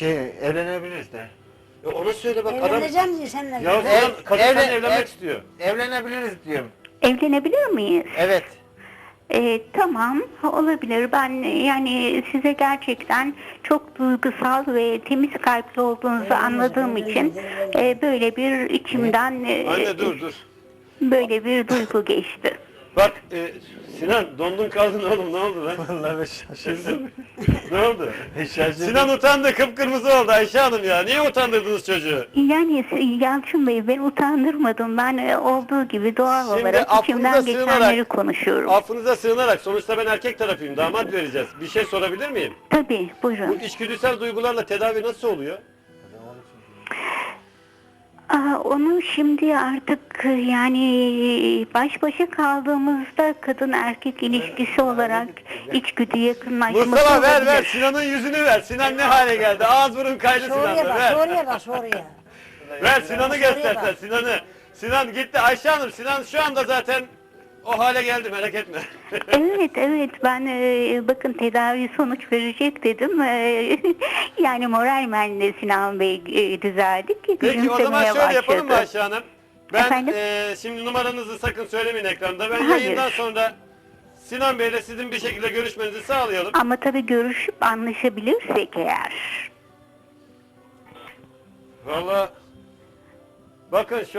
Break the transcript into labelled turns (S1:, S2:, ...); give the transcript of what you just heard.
S1: Evlenebiliriz de.
S2: Ona söyle bak adam.
S3: Evleneceğim diye seninle.
S2: Ya Sinan kadın seninle evlenmek istiyor.
S1: Evlenebiliriz diyorum.
S4: Evlenebilir miyiz?
S1: Evet.
S4: Tamam, olabilir. Ben yani size gerçekten çok duygusal ve temiz kalpli olduğunuzu anladığım için böyle bir içimden
S2: Anne dur.
S4: böyle bir duygu geçti.
S2: Bak Sinan dondun kaldın oğlum, ne oldu lan?
S1: Vallahi ben şaşırdım.
S2: Ne oldu?
S1: Şaşırdım.
S2: Sinan utandı, kıpkırmızı oldu Ayşe Hanım ya. Niye utandırdınız çocuğu?
S4: Yani Yalçın Bey, ben utandırmadım. Ben olduğu gibi doğal
S2: Şimdi
S4: olarak içimden
S2: affınıza
S4: geçenleri
S2: sığınarak-
S4: konuşuyorum.
S2: Affınıza sığınarak, sonuçta ben erkek tarafıyım, damat vereceğiz. Bir şey sorabilir miyim?
S4: Tabii,
S2: Bu
S4: buyurun.
S2: içgüdüsel duygularla tedavi nasıl oluyor?
S4: Onu şimdi artık yani baş başa kaldığımızda kadın erkek ilişkisi olarak içgüdü yakınlaşması
S2: Mustafa ver
S4: olabilir.
S2: Sinan'ın yüzünü ver. Sinan ne hale geldi? Ağız burun kaydı
S3: Soruya
S2: Sinan'da,
S3: bak,
S2: ver.
S3: soruya bak, soruya.
S2: Ver Sinan'ı göster sen,
S3: bak.
S2: Sinan'ı. Sinan gitti Ayşe Hanım, Sinan şu anda zaten o hale geldi, merak etme.
S4: Evet ben bakın tedavi sonuç verecek dedim. Yani moralmen Sinan Bey düzeldik.
S2: Peki o zaman
S4: Gülümsemeye
S2: şöyle yapalım mı
S4: başladı.
S2: Ayşe Hanım? Ben
S4: Efendim?
S2: şimdi numaranızı sakın söylemeyin ekranda. Ben
S4: Hayır.
S2: yayından sonra Sinan Bey'le sizin bir şekilde görüşmenizi sağlayalım.
S4: Ama tabii görüşüp anlaşabilirsek eğer.
S2: Vallahi bakın şu